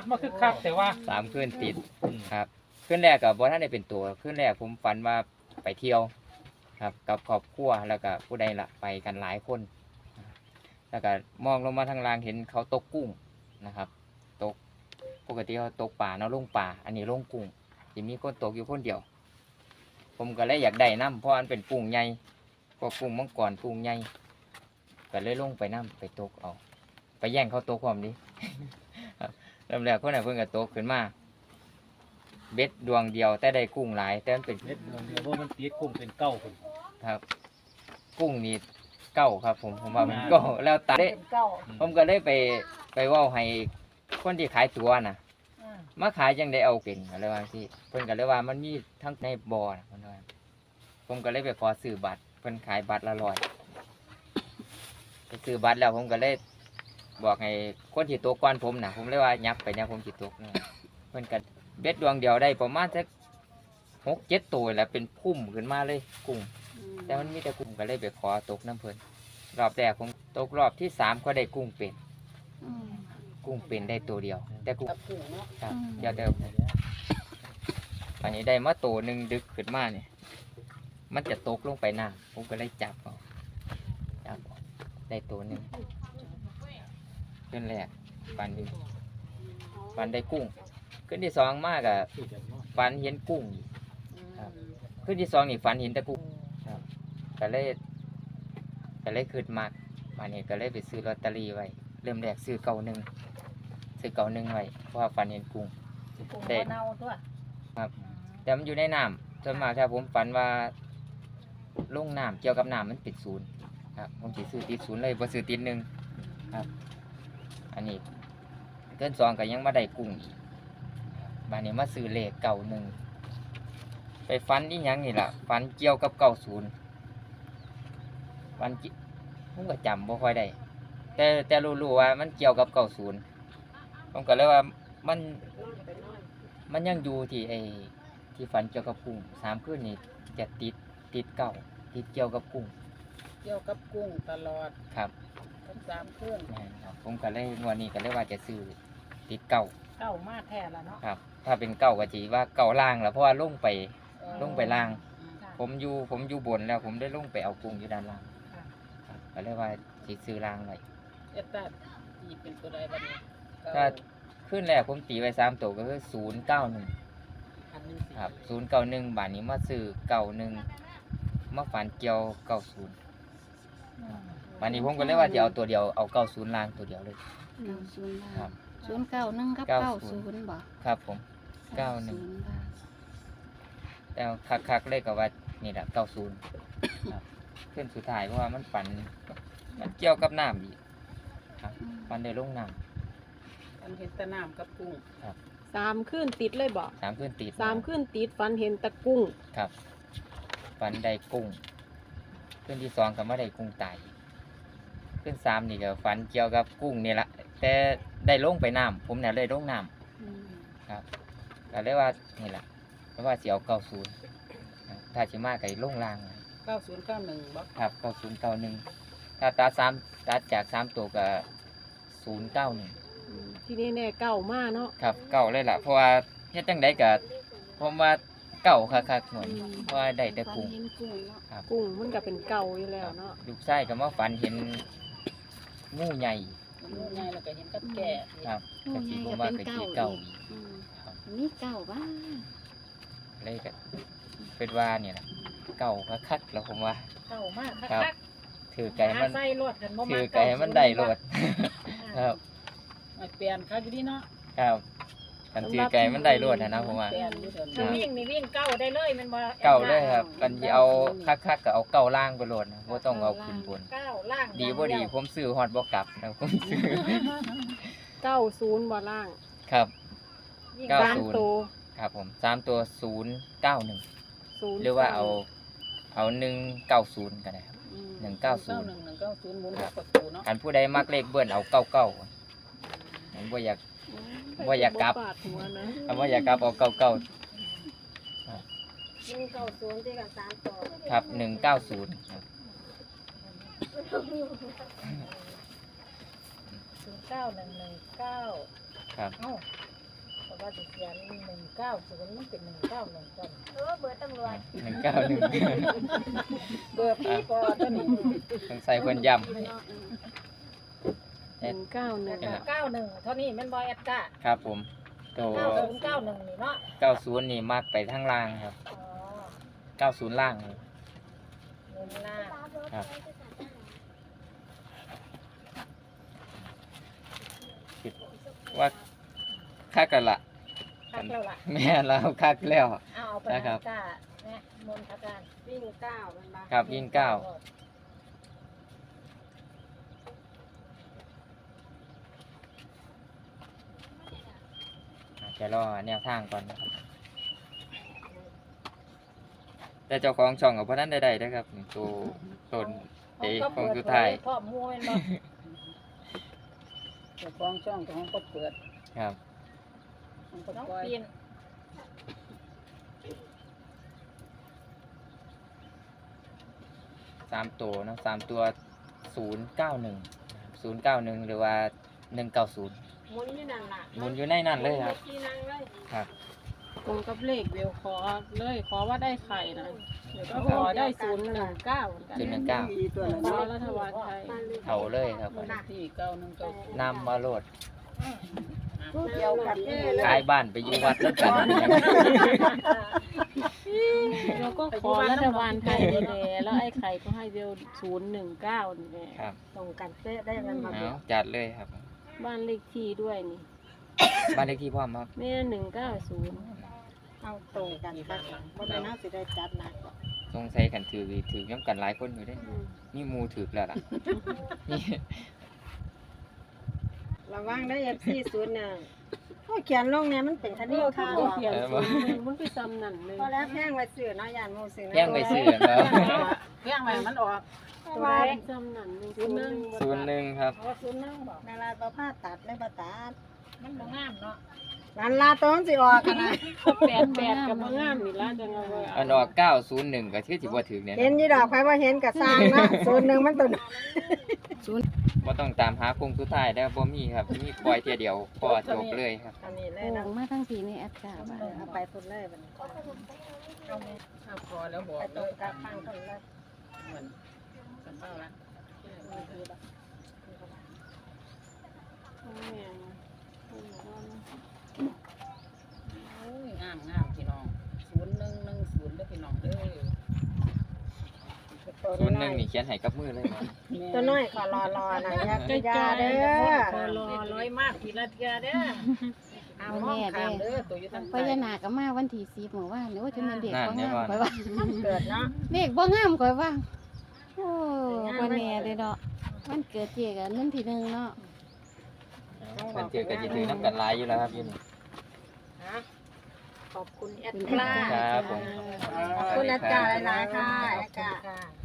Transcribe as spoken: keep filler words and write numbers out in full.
มาคึกคักแต่ว่าสามคืนติดครับคืนแรกกับบ่ท่านได้เป็นตัวคืนแรกผมฝันว่าไปเที่ยวครับกับครอบครัวแล้วก็ผู้ใดละไปกันหลายคนแล้วก็มองลงมาทางล่างเห็นเขาตกกุ้งนะครับตกปกติเขาตกป่าเนาะลงป่าอันนี้ลงกุ้งจะมีคนตกอยู่คนเดียวผมก็เลยอยากได้น้ำเพราะอันเป็นกุ้งใหญ่พวกกุ้งมังกรกุ้งใหญ่ก็เลยลงไปน้ำไปตกเอาไปแย่งเขาตกความนี้ เริ่มแรกคนไหนเพิ่งก็ตกขึ้นมาเบ็ดดวงเดียวแต่ได้กุ้งหลายแต่มันเป็นเม็ดเดียวว่ามันตีกุ้งเป็นเก้าคนครับ กุ้งนี่เก้าครับ ผมผมว่ามันเก้าแล้วตาได้ผมก็ได้ไปไปว่าให้คนที่ขายตัวน่ะมาขายยังได้เอาเป็นอะไรว่าที่เพิ่นก็เลยว่ามันมีทั้งในบ่อนะเพิ่นว่าผมก็เลยไปขอซื้อบัตรเพิ่นขายบัตรละร้อยไปซื้อบัตรแล้วผมก็เลยบอกให้คนที่ตกก่อนผมน่ะผมเลยว่ายับไปเนี่ยผมสิตกเนี่ยเพิ่นก็เบ็ดดวงเดียวได้ประมาณสักหกเจ็ดตัวแล้วเป็นพุ่มขึ้นมาเลยกุ้งแต่มันมีแต่กุ้งก็เลยไปขอตกน้ำเพิ่นรอบแรกผมตกรอบที่สามก็ได้กุ้งเป็นกุ้งเป็นได้ตัวเดียวแต่กุ้งครับเดียวเดิมอันนี้ได้มาตัวหนึ่งดึกขึ้นมาเนี่ยมันจะตกลงไปน้ำผมก็เลยจับเอาจับเอาได้ตัวหนึ่งขึ้นแรกฟันนี้ฟันได้กุ้งขึ้นที่สองมากอะฟันเห็นกุ้งครับขึ้นที่สองนี่ฟันเห็นแต่กุ้งครับก็เลยก็เลยขึ้นมากวันนี้ก็เลยไปซื้อลอตเตอรี่ไว้เริ่มแรกซื้อเก่าหนึ่งซื้อเก่าหนึ่งไว้เพราะว่าฟันเห็นกุ้งเด็ดครับแต่มันอยู่ในน้ำส่วนมากถ้าผมฝันว่าลงน้ำเกี่ยวกับน้ำมันติดศูนย์ครับผมสิซื้อติดศูนย์เลยบ่ซื้อติดหนึ่งครับอันนี้เกินสองก็ยังมาได้กุ้งอีกบานนี้มาซื้อเลขเก่าหนึ่งไปฟันนี่ยังนี่แหละฟันเกี่ยวกับเก่าศูนย์ฟันผมก็จำบ่ค่อยได้แต่แต่รู้ๆว่ามันเกี่ยวกับเก่าศูนย์ผมก็เลยว่ามันมันยังอยู่ที่ไอ้ที่ฟันเกี่ยวกับกุ้งสามคืนนี่จะติดติดเก่าติดเกี่ยวกับกุ้งเกี่ยวกับกุ้งตลอดครับทั้งสามเครื่องครับผมก็เลยงวดนี้ก็เลยว่าจะซื้อติดเก่าเก้ามากแท้ละเนาะครับ ถ้าเป็นเก่าก็จีว่าเก่าล่างแล้วเพราะว่าลงไปเออลงไปล่างค่ะผมอยู่ผมอยู่บนแล้วผมได้ลงไปเอากุ้งอยู่ด้านล่างค่ะครับก็เลยว่าจะซื้อล่างไว้เอตตาตีเป็นตัวใดบ้างเนี่ยถ้าขึ้นแรกผมตีไว้สามตัวก็คือศูนย์เก้าหนึ่งพันหนึ่งสี่ครับศูนย์เก้าหนึ่งบาทนี้มาซื้อเก้าหนึ่งมาฝันเกี่ยวเก้าศูนย์บาทนี้ผมก็เลยว่าจะเอาตัวเดียวเอาเก้าศูนย์ล่างตัวเดียวเลยเก้าศูนย์ครับศูนย์เก้าหนึ่งกับเก้าเก้าศูศูนย์นย์บ่ครับผม เก้าหนึ่งศูย์บาทแต่คักๆเลยก็ว่านี่แหละเก้าศูนย์ครับขึ้นสุดท้ายเพราะว่ามันฝันมันเกี่ยวกับน้ำอีกครับฝันได้ลงน้พันเห็นแตะน้ำกับกุ้งสามขึ้นติดเลยบอกำสามขึ้นติดสามขึ้นติดฟันเห็นตะกุ้งครับฝันได้กุ้งขึ้นที่สองก็ไม่ได้กุ้งตายขึ้นสามนี่ก็ฝันเกี่ยวกับกุ้งนี่แหละแต่ได้ลงไปน้ำผมเนี่ยเลยลงน้ำครับก็เลยว่านี่แหละเพราะว่าเสียวเก้าศูนย์ถ้าชิมาไก่ลงล่างเก้าศูนย์เก้าหนึ่งบ่ครับเก้าศูนย์เก้าหนึ่งถ้าตัดสามตัดจากสามตัวก็ศูนย์เก้าหนึ่งที่นี่แน่เก่ามากเนาะครับเก่าเลยล่ะเพราะว่าเฮ็ดจังไดก็ผมว่าเก่าคักๆหน่อยเพราะว่าได้แต่ฝันกุ้งเห็นกุ้งเนาะครับกุ้งมันก็เป็นเก่าอยู่แล้วเนาะลูกชายก็มาฝันเห็นงูใหญ่งูใหญ่แล้วก็เห็นกับแก่ครับงูก็ใหสิญ่ผมก็ว่าเป็นก็เก้าสิเก่าอีกอีกอืมครับมีเก้าบ้างเลยก็เป็นว่าเนี่ยล่ะเก่าคักๆแล้วผมว่าเก้ามากครับคักถือไก่มันใส่รถกันบ่มาถือไก่มันได้โลดครับไม่เปลี่ยนคักอยู่ดีเนาะครับกันถือไก่มันได้โลดนะผมว่าเปลี่ยนอยู่เดี๋ยวครันี้บวิ่งนี่วิ่งเก้าได้เลยแมันบ่เก่าเลยครับกันสิเอาคักๆก็เอาเก่าล่างไปโลดนะบ่ต้องเอาขึ้นบนเก้าล่างดีบ่ดีผมซื้อฮอดบ่กลับนะผมซื้อเก้าศูนย์บ่ล่างครับวิ่งเก้าสามศูนย์ตัวครับผมสามตัวศูนย์เก้าหนึ่งศูนย์หรือว่าเอาเอาหนึ่งเก้าศูนย์ก็ได้ครับอืมหนึ่งเก้าศูเก้านย์หนึ่งหนึ่งเก้าศูนย์หมุนกับประตูเนาะอันผู้ใดมักเลขเบิ้ลเอาเก้าเก้าผมบ่อยาก บ่อยากกลับบ่ปาดหัวนะอันบ่อยากกลับเอาเก้าเก้าหนึ่งเก้าศูนย์ที่กันสามตัวครับหนึ่งเก้าศูนย์ครับศูนย์เก้าหนึ่งหนึ่งเก้าครับเอ้าว่าสิเขียนหนึ่งเก้าศูนย์มันเป็นหนึ่งเก้าหนึ่งต้นเออเบอร์ตำรวจหนึ่งเก้าหนึ่งเบอร์พี่ปอตัวนี้สงสัยเพิ่นย้ำหนึ่งเก้าหนึ่งเก้าหนึ่งเท่านี้แม่นบอยแอดก้าครับผมโตเก้าศูนย์เก้าหนึ่งนี่เนาะเก้าศูนย์นี่มักไปทางล่างครับอ๋อเก้าศูนย์ล่างนี่เงินหน้าครับคิดว่าคักกันละคักแล้วล่ะแม่เราคักแล้วเอาเอาไปนะครัให้บก้าเนี่ยมนต์อาการวิ่งเก้ามันมาครับวิ่งเก้า อาจจะรอแนวทางก่อนนะครับ แต่เจ้าของช่องกับพนันใดๆนะครับนี่ตัวตนเอเขาขก็องเปิดสุดเผท้ายยพ่อมวยเนาะเจ้าของช่องของก็เปิดครับมันก็น้องปล่อยปีนสามตัวเนอะสามตัวศูนย์เก้าหนึ่งศูนย์เก้าหนึ่งหรือว่าหนึ่งเก้าศูนย์หมุนอยู่นั่นล่ะหมุนอยู่ในนั่นเลยครับที่นั่งเลยครับตรงกับเลขเบลขอเลยขอว่าได้ไข่นะเดี๋ยวก็ขอได้ศูนย์หนึ่งเก้าเหมือนกันศูนย์หนึ่งเก้าตัวนั้นขอรัฐบาลไทยเขาเลยครับที่เก้าหนึ่งเก้าศูนย์นำมาโหลดเดียวกันเลยขายบ้านไปอยู่วัดแล้วกันเราก็ขอรัฐบาลไทยนี่แหละแล้วไอ้ไข่ก็ให้เบลศูนย์หนึ่งเก้านี่แหละครับตรงกันเป๊ะได้มันมาเอาจัดเลยครับบ้านเลขที่ด้วยนี่บ้านเลขที่พ่อมครับแม่หนึ่งเก้าศูนย์เอาตรงกันค่ะบ่ได้น่าสิได้จัดหนักสงสัยกันถือถือย้ำกันหลายคนอยู่เด้นี่หมูถือแล้วล่ะนี่ระวังได้ เอฟ ซี ศูนย์หนึ่งโอ้เขียนลงเนี่ยมันเป็นคดีค่ะก็เขียนศูนย์หนึ่งมันไปซ้ำนั่นเลยพอแล้วแพงไว้ซื้อเนาะยานหมู่ซื้อแย่งไปซื้อแล้วเพียงไว้มันออกไว้ซ้ำนั่นเลยศูนย์หนึ่งศูนย์หนึ่งครับเพราะศูนย์หนึงบอกเวลาบ่พาตัดเลยบ่ตัดมันบ่งามเนาะนั่นล่ะตรงสิออกกันนะแปดแปดกับมางามนี่ละจังเอาไว้อันออกเก้าศูนย์หนึ่งก็ชื่อสิบ่ถือเนี่ยเห็นยี่ดอกไผว่าเห็นก็สร้างเนาะศูนย์หนึงมันตัวบ่ต้องตามหาโคงสุดท้ายได้อบ่มีครับมีปล่อยเทียเดียวพอจบเลยครับอันนี้เลยโอ่นะงมาทั้งสีในอากาศบ้าเอาไปพุ่นเลยบัดนี้เอาไปถ้าพอแล้วบอกตเลรงยกับฟังพุ่นเลยเหมือนสำเภาละ โอ้ยงามงามพี่น้องศูนย์หนึ่งหนึ่งศูนย์เด้อพี่น้องเด้อศูนย์หนึ่งนี่เขียนให้กับมือเลยครับตัวน้อยขอรอรอหน่อยอยากใกล้ยาๆเด้อพอรอร้อยมากทีละเทียเด้อเอาห้องข้ามเด้อตัวอยู่ทางพใต้ญานาคก็มาวันที่สิบหมู่ว่าโอ้จะเป็นเด็กบ่งามข่อยว่าเกิดเนาะเด็กบ่งามข่อยว่าโอ้บ่แน่เลยเนาะวันเกิดเจ๊ก็วันที่หนึ่งเนาะมันเจอกันจะถือน้ำกันหลายอยู่แล้วครับอยี่นี่ขอบคุณแอดเป็นกล้าครับผมขอบคุณอาจารย์หลายๆค่ะอาจารย์ค่ะ